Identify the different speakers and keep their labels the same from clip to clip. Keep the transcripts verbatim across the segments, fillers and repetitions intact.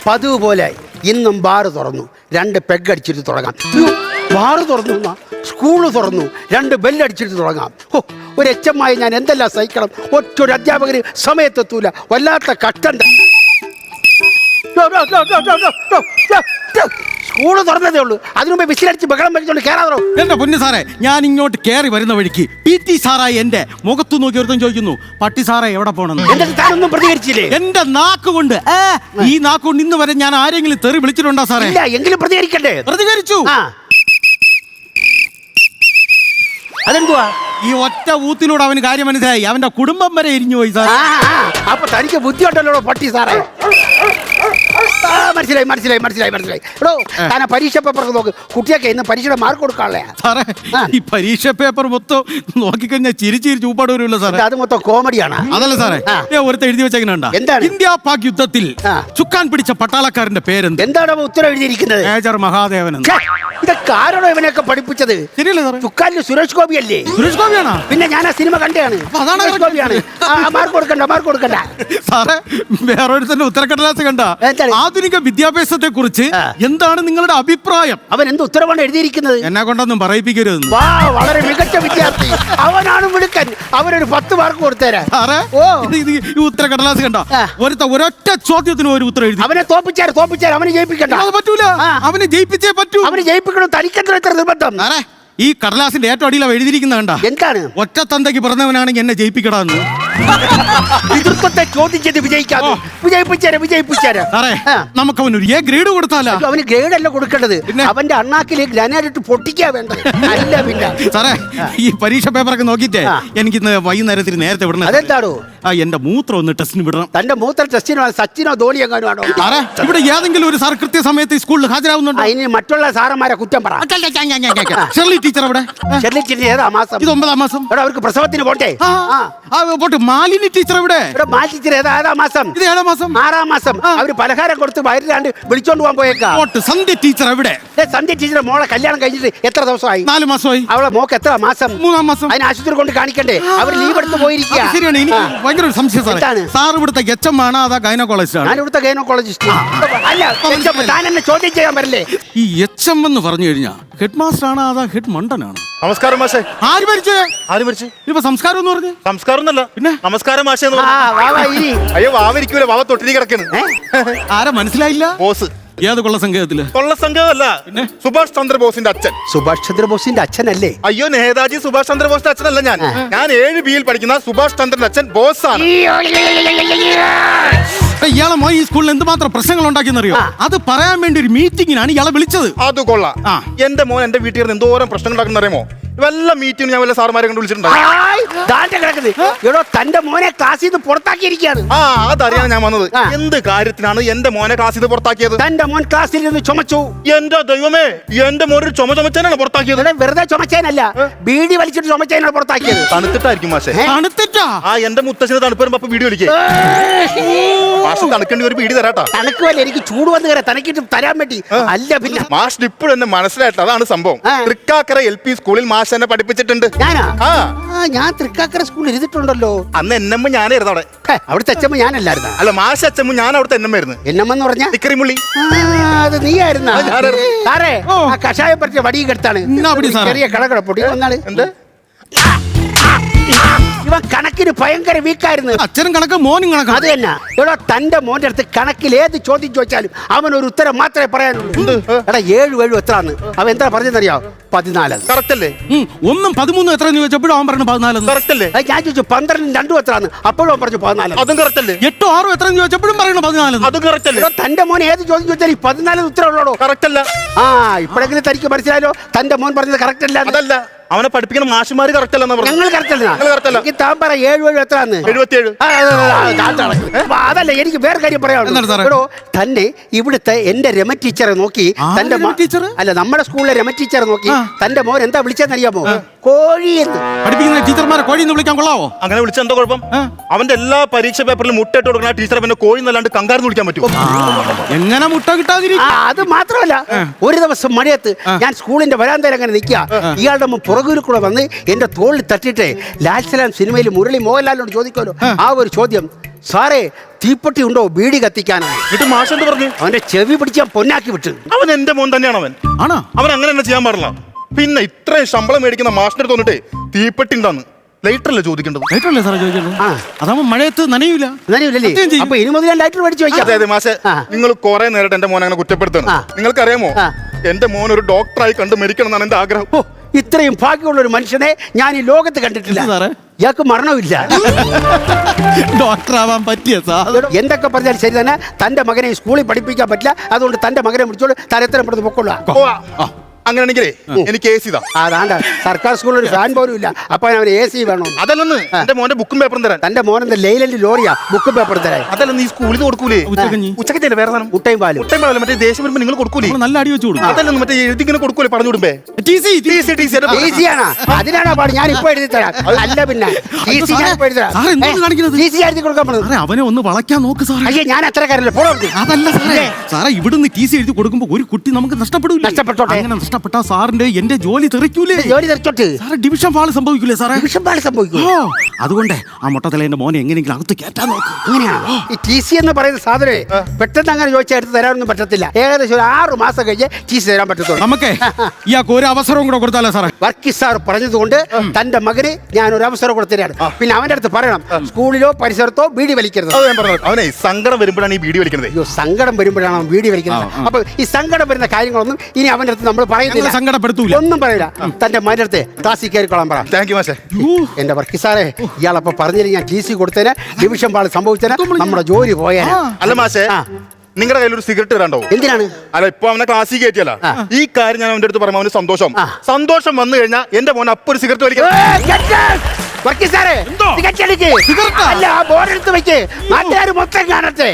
Speaker 1: പതിവ് പോലെ ഇന്നും ബാറ് തുറന്നു, രണ്ട് പെഗ് അടിച്ചിട്ട് തുടങ്ങാം. ബാറ് തുറന്നു, സ്കൂള് തുറന്നു, രണ്ട് ബെല്ലടിച്ചിട്ട് തുടങ്ങാം. ഓ, ഒരു എച്ച് എം ആയി ഞാൻ എന്തെല്ലാം സഹിക്കണം. ഒറ്റൊരു അധ്യാപകന് സമയത്തെത്തൂല, വല്ലാത്ത കഷ്ടണ്ട. സ്കൂള് തുറന്നതേ ഉള്ളൂ, അതിനുമ്പ് വിസിലടിച്ച് ബഹളം വെച്ചോണ്ട് കയറാതോ.
Speaker 2: എന്റെ പൊന്നു സാറേ, ഞാൻ ഇങ്ങോട്ട് കയറി വരുന്ന വഴിക്ക് പി ടി സാറായി എന്റെ മുഖത്തു നോക്കി ഒരുത്തം ചോദിക്കുന്നു, പട്ടി സാറേ എവിടെ പോണെന്ന്.
Speaker 1: എന്നിട്ട് താനൊന്നും പ്രതികരിച്ചില്ലേ?
Speaker 2: എന്റെ നാക്ക് കൊണ്ട് ഈ നാക്ക് കൊണ്ട് ഇന്ന് വരെ ഞാൻ ആരെങ്കിലും തെറി വിളിച്ചിട്ടുണ്ടോ സാറേ?
Speaker 1: ഇല്ല, എങ്കിലും പ്രതികരിക്കണ്ടേ?
Speaker 2: പ്രതികരിച്ചു.
Speaker 1: അതെന്തുവാ?
Speaker 2: ഈ ഒറ്റ ഊത്തിലൂടെ അവന് കാര്യം മനസ്സിലായി, അവന്റെ കുടുംബം വരെ എരിഞ്ഞു പോയി സാർ.
Speaker 1: അപ്പൊ തനിക്ക് ബുദ്ധി ഉണ്ടല്ലോ പട്ടി സാറേ. മനസ്സിലായി മനസ്സിലായി മനസ്സിലായി മനസ്സിലായി. എടോ, താൻ പരീക്ഷ പേപ്പർ നോക്ക്, കുട്ടിയൊക്കെ ഇന്ന് പരീക്ഷയുടെ മാർക്ക് കൊടുക്കാനുള്ള
Speaker 2: സാറേ. ഈ പരീക്ഷ പേപ്പർ മൊത്തം നോക്കിക്കഴിഞ്ഞാൽ ചിരിച്ചിരി ചൂപ്പാട് വരുമല്ലോ സാറേ.
Speaker 1: അത് മൊത്തം കോമഡിയാണ്.
Speaker 2: അതല്ല സാറേ, ഒരുത്ത എഴുതി വെച്ചെങ്ങനെയുണ്ടാ, ഇന്ത്യ പാക് യുദ്ധത്തിൽ ചുക്കാൻ പിടിച്ച പട്ടാളക്കാരന്റെ പേരെന്ത്?
Speaker 1: എന്താണ് ഉത്തരം എഴുതിയിരിക്കുന്നത്?
Speaker 2: മേജർ മഹാദേവൻ.
Speaker 1: ഇതൊക്കെ ആരാണോ ഇവനെയൊക്കെ പഠിപ്പിച്ചത്?
Speaker 2: ശരിയല്ലേ സാറേ?
Speaker 1: ചുക്കാലിൽ സുരേഷ് ഗോപി അല്ലേ?
Speaker 2: സുരേഷ് ഗോപിയാണോ?
Speaker 1: പിന്നെ ഞാൻ ആ സിനിമ കണ്ടാണ്. സുരേഷ് ഗോപിയാണ്. മാർക്ക് കൊടുക്കണ്ട, മാർക്ക് കൊടുക്കണ്ട
Speaker 2: സാറേ. വേറൊരുത്തന്റെ ഉത്തരക്കടലാസ് കണ്ട, ആധുനിക വിദ്യാഭ്യാസത്തെ കുറിച്ച് എന്താണ് നിങ്ങളുടെ അഭിപ്രായം? അവൻ എന്ത് ഉത്തരവാണ് എഴുതിയിരിക്കുന്നത്? എന്നെ കൊണ്ടൊന്നും പറയിപ്പിക്കരുത്. വളരെ മികച്ച വിദ്യാർത്ഥി, അവനാണ് മിടുക്കൻ, അവനൊരു പത്ത് മാർക്ക് കൊടുത്തേരാ. ഈ ഉത്തരക്കടലാസ് കണ്ട, ഒരുത്ത ഒരൊറ്റ ചോദ്യത്തിന് ഒരു ഉത്തരം എഴുതി. അവനെ തോപ്പിച്ചാൽ തോപ്പിച്ചാൽ അവനെ ജയിപ്പിക്കണ്ട. അത് പറ്റൂല, അവനെ ജയിപ്പിച്ചേ പറ്റൂ. അവനെ ജയിപ്പിക്കണം, തനിക്കെത്ര എത്ര നിർബന്ധം? ഈ കടലാസിന്റെ ഏറ്റവും അടിയിലാണ് എഴുതിയിരിക്കുന്ന കണ്ട, എന്താണ്? ഒറ്റ തന്തയ്ക്ക് പിറന്നവനാണെങ്കിൽ എന്നെ ജയിപ്പിക്കടാന്ന്. എതിർപ്പത്തെ ചോദിച്ചത് വിജയിക്കാതെ വിജയിപ്പിച്ചാരെ വിജയിപ്പിച്ചാരെ. നമുക്ക് അവനൊരു എ ഗ്രേഡ് കൊടുത്താലോ? അവന് ഗ്രേഡ് അല്ല കൊടുക്കേണ്ടത്, അവന്റെ അണ്ണാക്കിൽ ഗ്രാനൈറ്റ് പൊട്ടിക്കാ വേണ്ടത്. അല്ല പിന്നെ സാറേ, ഈ പരീക്ഷ പേപ്പറൊക്കെ നോക്കിട്ടേ എനിക്കിന്ന് വൈകുന്നേരത്തിന് നേരത്തെ വിടണം. അതെന്താണോ? ആ, എന്റെ മൂത്രം ഒന്ന് ടെസ്റ്റിന് വിടണം. തന്റെ മൂത്ര ടെസ്റ്റിനോ സച്ചിനോ ധോണി എങ്ങാനോ ആണോ? സാറേ, ഇവിടെ ഏതെങ്കിലും ഒരു സാർ കൃത്യസമയത്ത് സ്കൂളിൽ ഹാജരാകുന്നുണ്ടോ? ഇനി മറ്റുള്ള സാറന്മാരെ കുറ്റം പറ. ഷെർലി ടീച്ചർ അവിടെ. ഷെർലി ടീച്ചർ ഏതാ മാസം? ഇത് ഒമ്പതാം മാസം. അവർക്ക് പ്രസവത്തിന് പോട്ടെ. പോട്ടെ. മാലിനി ടീച്ചർ ഇവിടെ. മാലിനി ടീച്ചർ ഏതാ ഏതാ മാസം? ഇത് ഏഴാം മാസം. ആറാം മാസം. അവര് പലഹാരം കൊടുത്ത് വയറിലാണ്ട് വിളിച്ചോണ്ട് പോകാൻ പോയേക്കാ. സന്ധ്യ ടീച്ചർ എവിടെ? സന്ധ്യ ടീച്ചർ മോളെ കല്യാണം കഴിഞ്ഞിട്ട് എത്ര ദിവസമായി? നാല് മാസമായി. അവളെ മോക്ക് എത്ര മാസം? മൂന്നാം മാസം. അതിന് ആശുപത്രി കൊണ്ട് കാണിക്കണ്ടേ? അവർ ലീവ് എടുത്ത് പോയിരിക്കുക. ശരിയാണ്. എനിക്ക് ഭയങ്കര ഒരു സംശയം സാറേ. സാർ ഇവിടുത്തെ എച്ച് എം ആണോ അതാ ഗൈനക്കോളജിസ്റ്റ്? ഞാൻ ഇവിടുത്തെ ഗൈനക്കോളജിസ്റ്റ്. അല്ല, താൻ എന്നെ ചോദ്യം ചെയ്യാൻ പറ്റില്ലേ? ഈ എച്ച് എം എന്ന് പറഞ്ഞു കഴിഞ്ഞാൽ ഹെഡ് മാസ്റ്റർ ആണോ അതാ ഹെഡ് മണ്ടനാണ്? നമസ്കാരം മാഷേ. ആര് മരിച്ചേ? ആര് മരിച്ചു? ഇപ്പൊ സംസ്കാരം എന്ന് പറഞ്ഞു. സംസ്കാരം എന്നല്ല പിന്നെ നമസ്കാരം മാഷേ. അയ്യോ, വാവരിക്കൂല, വാവ തൊട്ടിരി കിടക്കുന്നു. ആരാ മനസ്സിലായില്ല? ബോസ്. ഏത് കൊള്ള സംഘത്തില്? കൊള്ള സംഘമല്ല, പിന്നെ സുഭാഷ് ചന്ദ്രബോസിന്റെ അച്ഛൻ. സുഭാഷ് ചന്ദ്രബോസിന്റെ അച്ഛനല്ലേ? അയ്യോ, നേതാജി സുഭാഷ് ചന്ദ്രബോസിന്റെ അച്ഛനല്ല ഞാൻ. ഞാൻ ഏഴ് ബിയിൽ പഠിക്കുന്ന സുഭാഷ് ചന്ദ്രന്റെ അച്ഛൻ ബോസ് ആണ്. ഇയാളെ മോൻ ഈ സ്കൂളിൽ എന്തുമാത്രം പ്രശ്നങ്ങൾ ഉണ്ടാക്കിയെന്നറിയോ? അത് പറയാൻ വേണ്ടി ഒരു മീറ്റിംഗിനാണ് ഇയാളെ വിളിച്ചത്. അത് കൊള്ളാം. എന്റെ മോൻ എന്റെ വീട്ടിൽ നിന്ന് എന്തോരം പ്രശ്നങ്ങൾ ഉണ്ടാക്കുന്നറിയാമോ? വല്ല മീറ്റിംഗ് ഞാൻ വല്ല സാറുമാരെ കൊണ്ട് വിളിച്ചിട്ടുണ്ടോ? തന്റെ മോനെ ക്ലാസ്സിൽ നിന്ന് പുറത്താക്കിയിരിക്കുകയാണ്. ആ, അതറിയാൻ ഞാൻ വന്നത്. എന്ത് കാര്യത്തിനാണ് എന്റെ മോനെ ക്ലാസ്സിൽ നിന്ന് പുറത്താക്കിയത്? തന്റെ മോൻ ക്ലാസ്സിൽ നിന്ന് ചുമച്ചു. എന്റെ ദൈവമേ, എന്റെ മോൻ ഒരു ചുമ ചുമച്ചാനാണ് പുറത്താക്കിയത്. വെറുതെ ചുമച്ചാനല്ല, ബീഡി വലിച്ചിട്ട് ചുമച്ചാനാണ് പുറത്താക്കിയത്. തണുത്തിട്ടായിരിക്കും മാഷേ. തണുത്തിട്ടാ? ആ, എന്റെ മുത്തശ്ശന് തണുപ്പ് വരുമ്പോ അപ്പൊ ബീഡി വലിക്കേ. മാഷ് തണുക്കേണ്ടി ഒരു ബീഡി തരാട്ടാ. തണുക്കുവല്ലേ, എനിക്ക് ചൂട് വന്ന് കയറാം, തനക്കിട്ട് തരാൻ വേണ്ടി. അല്ല പിന്നെ മാഷ് ഇപ്പോഴും എന്നെ മനസ്സിലായിട്ട്. അതാണ് സംഭവം. തൃക്കാക്കര എൽ പി സ്കൂളിൽ മാഷ് എന്നെ പഠിപ്പിച്ചിട്ടുണ്ട്. ഞാൻ തൃക്കാക്കര സ്കൂളിൽ ഇരുന്നിട്ടുണ്ടല്ലോ. അന്ന് എന്നമ്മ ഞാനായിരുന്നു അവിടെ. അവിടുത്തെ അച്ഛമ്മ ഞാനല്ലായിരുന്നു. അല്ല, മാഷ് അച്ഛമ്മ ഞാൻ അവിടുത്തെ എന്നമ്മായിരുന്നു. എന്നമ്മെന്ന് പറഞ്ഞ തിക്കറിമുള്ളി. അത് നീ ആയിരുന്ന സാറേ? ആ കഷായം പറ്റിയ വടിയും കെടുത്താണ്. ചെറിയ കടകട പൊടി വന്നാണ്. എന്ത് ഇവൻ കണക്കിന് ഭയങ്കര വീക്കായിരുന്നു. അച്ഛനും കണക്ക് മോനും കണക്ക്. അത് തന്നെ. എടാ, തന്റെ മോന്റെ അടുത്ത് കണക്കിൽ ഏത് ചോദ്യം ചോദിച്ചാലും അവൻ ഒരു ഉത്തരം മാത്രമേ പറയാനുള്ളൂ. എടാ, ഏഴു ഏഴു എത്രാന്ന് അവൻ എന്താ പറഞ്ഞറിയാം? പതിനാല്. കറക്റ്റ് അല്ലേ? ഒന്നും പതിമൂന്നും എത്ര ചോദിച്ചപ്പോഴും അവൻ പറഞ്ഞു പതിനാല്. കറക്റ്റ് അല്ലേ? ഞാൻ ചോദിച്ചു പന്ത്രണ്ടും രണ്ടും എത്രാന്ന്, അപ്പോഴും അവൻ പറഞ്ഞു പതിനാല്. അതും കറക്റ്റ് അല്ലേ? എട്ടോ ആറും എത്ര ചോദിച്ചപ്പോഴും പറയുന്നു പതിനാല്. അതും കറക്റ്റ് അല്ലേ? തന്റെ മോൻ ഏത് ചോദ്യം ചോദിച്ചാൽ ഈ പതിനാല് ഉത്തരം ഉള്ളോ? കറക്റ്റ് അല്ല. ആ, ഇപ്പോഴെങ്കിലും തനിക്ക് മനസ്സിലായല്ലോ തന്റെ മോൻ പറഞ്ഞത് കറക്റ്റ് അല്ല. അതല്ല, അവനെ പഠിപ്പിക്കുന്ന മാഷുമാര് കറക്റ്റ് അല്ലെന്ന് പറഞ്ഞു. ഞങ്ങൾ കറക്റ്റ് അല്ല. താൻ പറ ഏഴു ഏഴു എത്രാന്ന്? എഴുപത്തിയേഴ്. അതല്ല, എനിക്ക് വേറെ കാര്യം പറയാനുള്ളൂ. തന്നെ ഇവിടുത്തെ എന്റെ രമ ടീച്ചറെ നോക്കി തന്റെ ടീച്ചർ അല്ല നമ്മുടെ സ്കൂളിലെ രമ ടീച്ചറെ നോക്കി തന്റെ മോൻ എന്താ വിളിച്ചെന്നറിയാമോ? കോഴി എന്ന്. പഠിപ്പിക്കുന്ന ടീച്ചർമാരെ കോഴി എന്ന് വിളിക്കാൻ കൊള്ളാവോ? അങ്ങനെ വിളിച്ച എന്താ കുഴപ്പം? അവന്റെ എല്ലാ പരീക്ഷ പേപ്പറിലും മുട്ടയിട്ട് കൊടുക്കുന്ന ടീച്ചർ പിന്നെ കോഴി എന്നല്ലാണ്ട് കങ്കാരെന്ന് വിളിക്കാൻ പറ്റുമോ? എങ്ങനെ മുട്ട കിട്ടാതിരിക്കും? അത് മാത്രമല്ല, ഒരു ദിവസം മഴയത്ത് ഞാൻ സ്കൂളിന്റെ വരാന്തയിൽ അങ്ങനെ നിൽക്കുക. ഇയാളുടെ
Speaker 1: പുറകിൽ കൂടെ വന്ന് എന്റെ തോളിൽ തട്ടിയിട്ട് ലാൽസലാം സിനിമയിൽ മുരളി മോഹൻലാലിനോട് ചോദിക്കുമല്ലോ ആ ഒരു ചോദ്യം, സാറേ തീപ്പെട്ടി ഉണ്ടോ ബീഡി കത്തിക്കാനാണ്.
Speaker 3: എന്നിട്ട് മാഷ് എന്ത് പറഞ്ഞു?
Speaker 1: അവന്റെ ചെവി പിടിച്ച് ഞാൻ പൊന്നാക്കി വിട്ടു.
Speaker 3: അവൻ എന്റെ മോൻ തന്നെയാണ്. അവൻ
Speaker 2: ആണോ?
Speaker 3: അവൻ അങ്ങനെ തന്നെ ചെയ്യാൻ പാടില്ല. പിന്നെ ഇത്രയും ശമ്പളം മേടിക്കുന്ന മാഷിന്റെ തോന്നിട്ടേ തീപ്പെട്ടി ഉണ്ടാന്ന് ലൈറ്റർ അല്ലേ ചോദിക്കേണ്ടത്?
Speaker 2: ലൈറ്ററല്ലേ സാറേ ചോദിച്ചത്? അതാവുമ്പോ മഴയത്ത് നനയൂല.
Speaker 1: നനയൂലേ? അപ്പൊ ഇനി മുതൽ ഞാൻ ലൈറ്റർ മേടിച്ച് വയ്ക്കാം.
Speaker 3: അതെ അതെ മാഷെ, നിങ്ങൾ കുറെ നേരിട്ട് എന്റെ മോനെ അങ്ങനെ കുറ്റപ്പെടുത്തണം. നിങ്ങൾക്കറിയാമോ, എന്റെ മോൻ ഒരു ഡോക്ടറായി കണ്ട് മരിക്കണം എന്നാണ് എന്റെ ആഗ്രഹം.
Speaker 1: ഓ, ഇത്രയും ഭാഗ്യമുള്ള ഒരു മനുഷ്യനെ ഞാൻ ഈ ലോകത്ത് കണ്ടിട്ടില്ല.
Speaker 2: സാറേ
Speaker 1: ഇയാൾക്ക് മരണമില്ല.
Speaker 2: ഡോക്ടർ ആവാൻ പറ്റിയ സാധനം.
Speaker 1: എന്തൊക്കെ പറഞ്ഞാലും ശരി തന്നെ, തന്റെ മകനെ സ്കൂളിൽ പഠിപ്പിക്കാൻ പറ്റില്ല. അതുകൊണ്ട് തന്റെ മകനെ വിളിച്ചോളൂ, തരത്തിലും പെടുത്ത് പൊക്കൊള്ളാം.
Speaker 3: അങ്ങനെയാണെങ്കിലേ എനിക്ക് എ സി
Speaker 1: അതാണ്ട സർക്കാർ സ്കൂളിൽ ഒരു ഫാൻ പോലും ഇല്ല. അപ്പൊ അവന് എ സി വേണം.
Speaker 3: അതല്ലെന്ന് എന്റെ മോന്റെ ബുക്കും പേപ്പറും തരാൻ.
Speaker 1: തന്റെ മോനെന്താ ലൈലന്റ് ലോറിയാ ബുക്കും പേപ്പറും തരാൻ?
Speaker 3: അതല്ലെന്ന് ഈ സ്കൂളിൽ കൊടുക്കൂലേ ഉച്ചക്കത്തെ വേറെ സാധനം?
Speaker 1: മുട്ടയും പാലും.
Speaker 3: മുട്ടയും പാലും മറ്റേ ദേശം വരുമ്പോ നിങ്ങൾ കൊടുക്കൂലേ?
Speaker 2: നല്ല അടി വെച്ച് കൊടുക്കും.
Speaker 3: അതല്ലെന്ന് മറ്റേ എഴുതി ഇങ്ങനെ കൊടുക്കൂലേ പറഞ്ഞു വിടുമ്പേ?
Speaker 1: ഈസിയാണോ? അതിനാണോ പാട്? ഞാൻ ഇപ്പൊ എഴുതി തരാം. അല്ല പിന്നെ ഈസി ഞാൻ ഇപ്പൊ എഴുതി തരാം. ഈസി എഴുതി കൊടുക്കാൻ പറ്റുന്നത്.
Speaker 2: അവനെ ഒന്ന് വളയ്ക്കാൻ നോക്ക് സാറേ.
Speaker 1: അയ്യേ, ഞാൻ അത്രക്കാരല്ല. ഫോളോ
Speaker 2: അതല്ല സാറേ, സാറേ ഇവിടുന്ന് ടി സി എഴുതി കൊടുക്കുമ്പോ ഒരു കുട്ടി നമുക്ക് നഷ്ടപ്പെടൂല.
Speaker 1: നഷ്ടപ്പെട്ടോട്ടെ.
Speaker 2: അങ്ങനെ നഷ്ടപ്പെട്ടാ സാറിന്റെ എന്റെ ജോലി തെറിക്കൂലേ?
Speaker 1: ജോലി തെറിച്ചോട്ട്
Speaker 2: സാറേ ഡിവിഷൻ ഫാള് സംഭവിക്കൂലേ സാറേ?
Speaker 1: ഡിവിഷൻ ഫാള് സംഭവിക്കും.
Speaker 2: അതുകൊണ്ട് ആ മുട്ടത്തലേന്റെ മോനെ എങ്ങനെയെങ്കിലും അകത്ത് കയറ്റാൻ നോക്കും.
Speaker 1: അങ്ങനെയാണോ? ഈ ടി സി എന്ന് പറയുന്ന സാധനമേ പെട്ടെന്ന് അങ്ങനെ ചോദിച്ചാൽ എടുത്ത് തരാനൊന്നും പറ്റത്തില്ല. ഏകദേശം ഒരു ആറ് മാസം കഴിഞ്ഞ് ടി സി തരാൻ പറ്റത്തുള്ളൂ.
Speaker 2: നമുക്ക് ഇയാൾക്ക് ഒരു അവസരവും കൂടെ കൊടുത്താലോ സാറേ?
Speaker 1: വർക്കി സാർ പറഞ്ഞതുകൊണ്ട് തന്റെ മകന് ഞാൻ ഒരു അവസരം കൊടുത്തരാണ്. പിന്നെ അവന്റെ അടുത്ത് പറയണം, സ്കൂളിലോ പരിസരത്തോ ബീഡി വലിക്കരുത്.
Speaker 3: അവനെ സങ്കടം വരുമ്പോഴാണ് ഈ ബീഡി വലിക്കുന്നത്.
Speaker 1: അയ്യോ, സങ്കടം വരുമ്പോഴാണ് അവൻ ബീഡി വലിക്കുന്നത്. അപ്പൊ ഈ സങ്കടം വരുന്ന കാര്യങ്ങളൊന്നും ഇനി അവന്റെ അടുത്ത് നമ്മൾ പറയുന്നില്ല.
Speaker 2: സങ്കടപ്പെടുത്തൂല,
Speaker 1: ഒന്നും പറയില്ല. തന്റെ മകന്റെ അടുത്ത് ക്ലാസ്സിൽ കയറിക്കൊള്ളാൻ പറ.
Speaker 3: താങ്ക് യു മാഷേ.
Speaker 1: എന്റെ വർക്കി സാറേ, ഇയാളപ്പോ പറഞ്ഞില്ല ഞാൻ ടി സി കൊടുത്തേനെ, ഡിവിഷൻ പാള് സംഭവിച്ചേനെ, നമ്മുടെ ജോലി പോയേനെ.
Speaker 3: അല്ല മാഷേ, നിങ്ങളുടെ കയ്യിൽ ഒരു സിഗരറ്റ് തരാണ്ടോ?
Speaker 1: എന്തിനാണ്?
Speaker 3: അല്ല, ഇപ്പൊ അവനെ ക്ലാസ്സിൽ കയറ്റിയല്ല. ഈ കാര്യം ഞാൻ അവന്റെ അടുത്ത് പറയുമ്പോൾ അവന് സന്തോഷം സന്തോഷം വന്നു കഴിഞ്ഞാൽ എന്റെ മോൻ അപ്പൊ ഒരു സിഗരറ്റ് വലിക്കും.
Speaker 1: വർക്കി സാറേ, സിഗരറ്റ് എടുക്ക്. അല്ല, ആ ബോർഡ് എടുത്ത് വെക്ക്, നാട്ടുകാർ മൊത്തം കാണട്ടെ.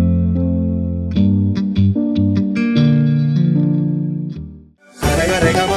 Speaker 3: Rega, rega,